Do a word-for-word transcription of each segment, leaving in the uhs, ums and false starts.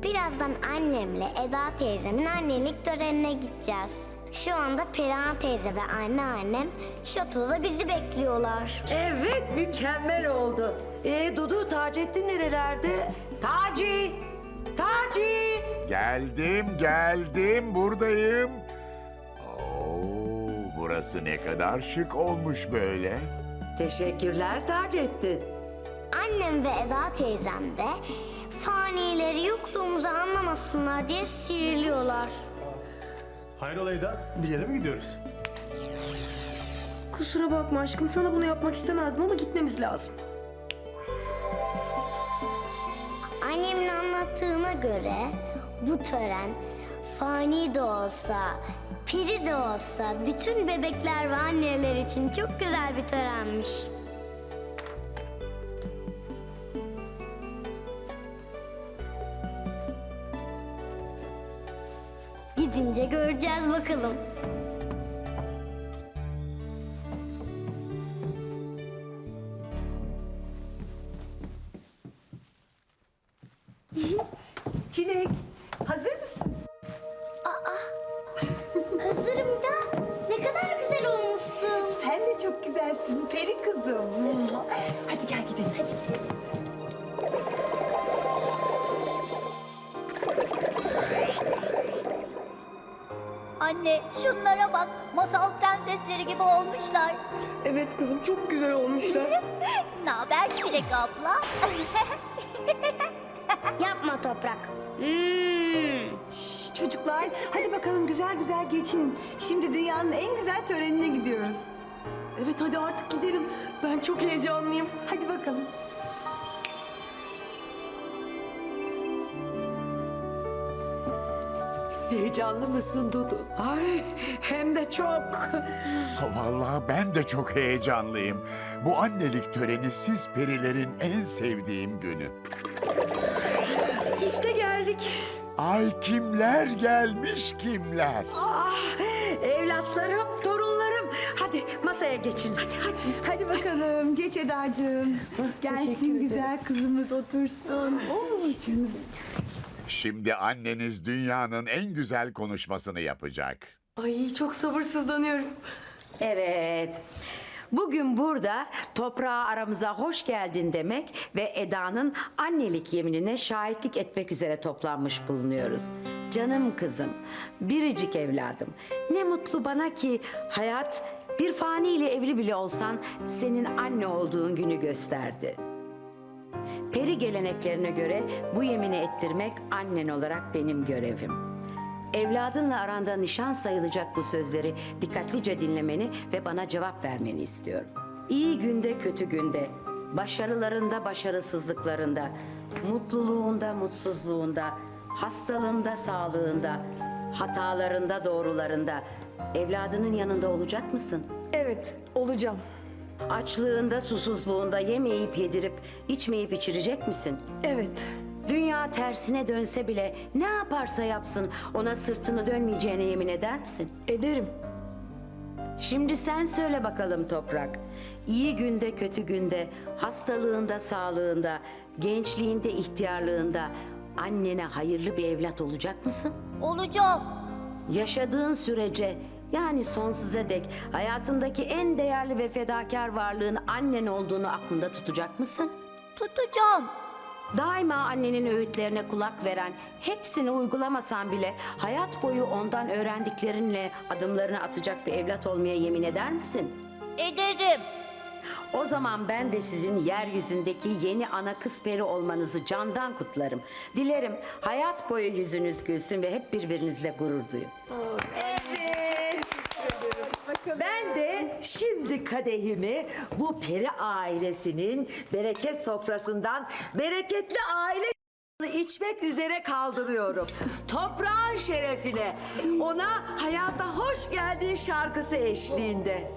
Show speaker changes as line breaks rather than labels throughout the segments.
Birazdan annemle Eda teyzemin annelik törenine gideceğiz. Şu anda Perihan teyze ve anneannem şatoda bizi bekliyorlar.
Evet, mükemmel oldu. Ee Dudu, Taceddin nerelerde? Taci! Taci!
Geldim, geldim, buradayım. Oo, burası ne kadar şık olmuş böyle.
Teşekkürler Taceddin.
Annem ve Eda teyzem de fanileri yokluğumuzu anlamasınlar diye sihirliyorlar.
Hayrola Eda, bir yere mi gidiyoruz?
Kusura bakma aşkım, sana bunu yapmak istemezdim ama gitmemiz lazım.
Annemin anlattığına göre bu tören fani de olsa, peri de olsa bütün bebekler ve anneler için çok güzel bir törenmiş. Gidince göreceğiz bakalım.
Çilek, hazır mısın?
Hazırım da ne kadar güzel olmuşsun.
Sen de çok güzelsin, peri kızım. Hadi gel gidelim. Hadi.
Anne, şunlara bak. Masal prensesleri gibi olmuşlar.
Evet kızım, çok güzel olmuşlar.
Ne haber Çilek abla?
Yapma Toprak. Hmm.
Şş, çocuklar, hadi bakalım güzel güzel geçin. Şimdi dünyanın en güzel törenine gidiyoruz.
Evet hadi artık gidelim. Ben çok heyecanlıyım.
Hadi bakalım.
Heyecanlı mısın Dudu? Ay, hem de çok.
Ha, vallahi ben de çok heyecanlıyım. Bu annelik töreni siz perilerin en sevdiğim günü.
İşte geldik.
Ay kimler gelmiş kimler.
Ah, evlatlarım, torunlarım. Hadi masaya geçin. Hadi, hadi.
Hadi bakalım, geç Edacığım. Gelsin güzel kızımız otursun. Oo canım.
Şimdi anneniz dünyanın en güzel konuşmasını yapacak.
Ay çok sabırsızlanıyorum.
Evet. Bugün burada toprağa aramıza hoş geldin demek ve Eda'nın annelik yeminine şahitlik etmek üzere toplanmış bulunuyoruz. Canım kızım, biricik evladım. Ne mutlu bana ki hayat bir faniyle evli bile olsan senin anne olduğun günü gösterdi. Peri geleneklerine göre bu yemini ettirmek annen olarak benim görevim. Evladınla aranda nişan sayılacak bu sözleri dikkatlice dinlemeni ve bana cevap vermeni istiyorum. İyi günde kötü günde, başarılarında başarısızlıklarında, mutluluğunda mutsuzluğunda, hastalığında sağlığında, hatalarında doğrularında evladının yanında olacak mısın?
Evet, olacağım.
Açlığında susuzluğunda yemeyip yedirip içmeyip içirecek misin?
Evet.
Dünya tersine dönse bile ne yaparsa yapsın ona sırtını dönmeyeceğine yemin eder misin?
Ederim.
Şimdi sen söyle bakalım Toprak. İyi günde kötü günde, hastalığında sağlığında, gençliğinde ihtiyarlığında annene hayırlı bir evlat olacak mısın?
Olacağım.
Yaşadığın sürece yani sonsuza dek hayatındaki en değerli ve fedakar varlığın annen olduğunu aklında tutacak mısın?
Tutacağım.
Daima annenin öğütlerine kulak veren, hepsini uygulamasan bile hayat boyu ondan öğrendiklerinle adımlarını atacak bir evlat olmaya yemin eder misin?
Ederim.
O zaman ben de sizin yeryüzündeki yeni ana kız peri olmanızı candan kutlarım. Dilerim hayat boyu yüzünüz gülsün ve hep birbirinizle gurur duyun.
Ben de şimdi kadehimi bu peri ailesinin bereket sofrasından bereketli aile içmek üzere kaldırıyorum. Toprağın şerefine, ona hayata hoş geldin şarkısı eşliğinde.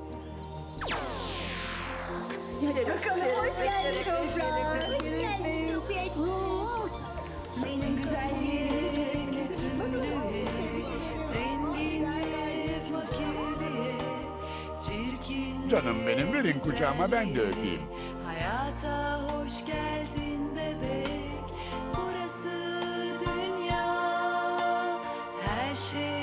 Bakalım hoş geldin toprağa. Benim güzelliğim.
Canım benim, verin kucağıma ben de öpeyim.
Hayata hoş geldin bebek. Burası her şey